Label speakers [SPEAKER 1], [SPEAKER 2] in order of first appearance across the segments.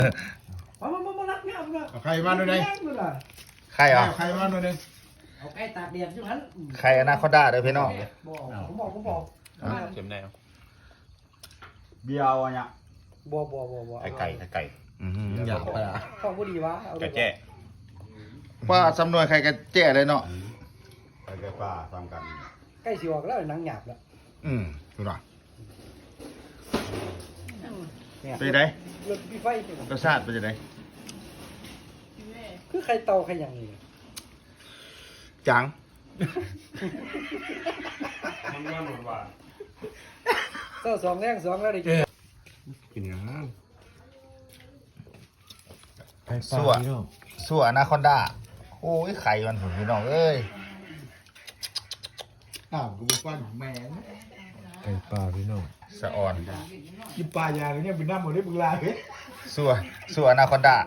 [SPEAKER 1] มารักเนี่ยมึง
[SPEAKER 2] เอาไข่มาหน่อยนึง
[SPEAKER 3] ไข่เหรอ
[SPEAKER 2] เอาไข่มาหน่อยนึง
[SPEAKER 1] เอาไก่ตากแดดใช่ไหม
[SPEAKER 3] ไข่อนาคอนดาเด้อพี่น้อง
[SPEAKER 1] ผมบอก
[SPEAKER 4] เข็มแนว
[SPEAKER 2] เบียร์อะไรเนี่ย
[SPEAKER 1] บ่
[SPEAKER 4] ไก่
[SPEAKER 3] อยากไปอ่ะ
[SPEAKER 1] ข้าวบุรีวะ
[SPEAKER 4] ไก่แจ้
[SPEAKER 3] ว่าสำนวนไข่กันแจ้เลยเนาะ
[SPEAKER 2] ไข่ปลาทำกัน
[SPEAKER 1] ไก่สิออกแล้วหนังหยาบแล้ว
[SPEAKER 3] ดูหน่อยเป็นไง
[SPEAKER 1] รถพี่ไฟ
[SPEAKER 3] รสชาติเป็นยังไง
[SPEAKER 1] คือไข่เตาไข่ยังนี่
[SPEAKER 3] จัง
[SPEAKER 4] มันว่าหมดว่า
[SPEAKER 1] เต้า2แรง2แล้วได้กิน
[SPEAKER 4] กินอย่างนั้น
[SPEAKER 3] สั่วอนาคอนดาโอ้ยไข่มันผมพี่น้องเอ้ย
[SPEAKER 2] อ้าวกูฟันแมง
[SPEAKER 5] ไก่ปลาพี่น้อง
[SPEAKER 3] สะอ่อน
[SPEAKER 2] กินปลายางเนี่ยเป็นน้ำหมดได้บึงลาย
[SPEAKER 3] สั่วอนาคอนดา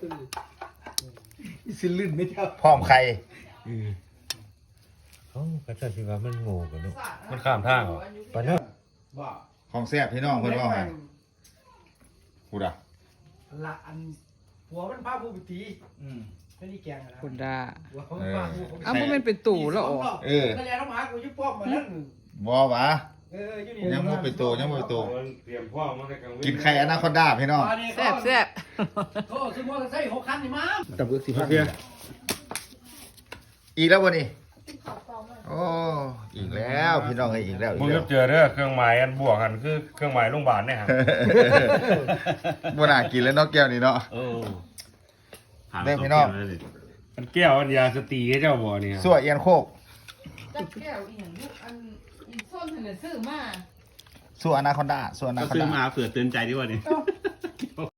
[SPEAKER 2] สิลื่นไม่เท่า
[SPEAKER 3] พร้อมไข่
[SPEAKER 5] เอ้ากระจัดสิว่ามันโง่กันเนาะ
[SPEAKER 4] มันข้ามทางเหรอ
[SPEAKER 5] ปลาเนาะ
[SPEAKER 2] ว่า
[SPEAKER 3] ของแซ่บพี่น้องเพิ่นว่าไงพูดอ่ะ
[SPEAKER 1] ละอันหัวมันพาผู้บิตีไม่ได้แกงนะ
[SPEAKER 6] คุณดา
[SPEAKER 1] หัวมันพาผู้
[SPEAKER 6] อ้าวมันเป็นตู่แล้วอ๋อ
[SPEAKER 1] ก็แล้วมากูยุบป้อมมานั่น
[SPEAKER 3] บ่หวะ
[SPEAKER 1] อยู่นี่
[SPEAKER 3] ยังบ่ไปโตยังบ่ไปโต
[SPEAKER 4] เตรียมพ่อมาในกลาง
[SPEAKER 3] กินไข่อนาคอนดาพี่น้อง
[SPEAKER 6] แซ่บแซ่บ
[SPEAKER 1] โอ้ซื้อมอเตอร์ไซค์6 คันนี่มา
[SPEAKER 3] ตับเลือกสิพันอีกแล้วบ่นี่โอ้อีกแล้วพี่น้องเอ้ยอีกแล้วอี
[SPEAKER 4] มึ
[SPEAKER 3] ก
[SPEAKER 4] ง
[SPEAKER 3] แล้
[SPEAKER 4] ก็
[SPEAKER 3] ว
[SPEAKER 4] เจอเด้อเครื่องหมายอันบวกกันคือเครื่องหมายโรงพยาบาลเนี่ยฮะ
[SPEAKER 3] บ่น่ากินแล้วเนาะแก้วนี่เนาะ เด้อพี่น้อง
[SPEAKER 4] มันแก้วอันยาสตีให้เจ้าบ่เนี่ย
[SPEAKER 3] สั่วเอียนโคก
[SPEAKER 6] จับแก้วอีหยังลูกอันอีส้มหันน่ะซื้อมา
[SPEAKER 3] สั่วอนาคอนดาสั่วอนาคอน
[SPEAKER 7] ซื้อ
[SPEAKER 3] ดา
[SPEAKER 7] มาเผื่อเตือนใจดีกว่านี่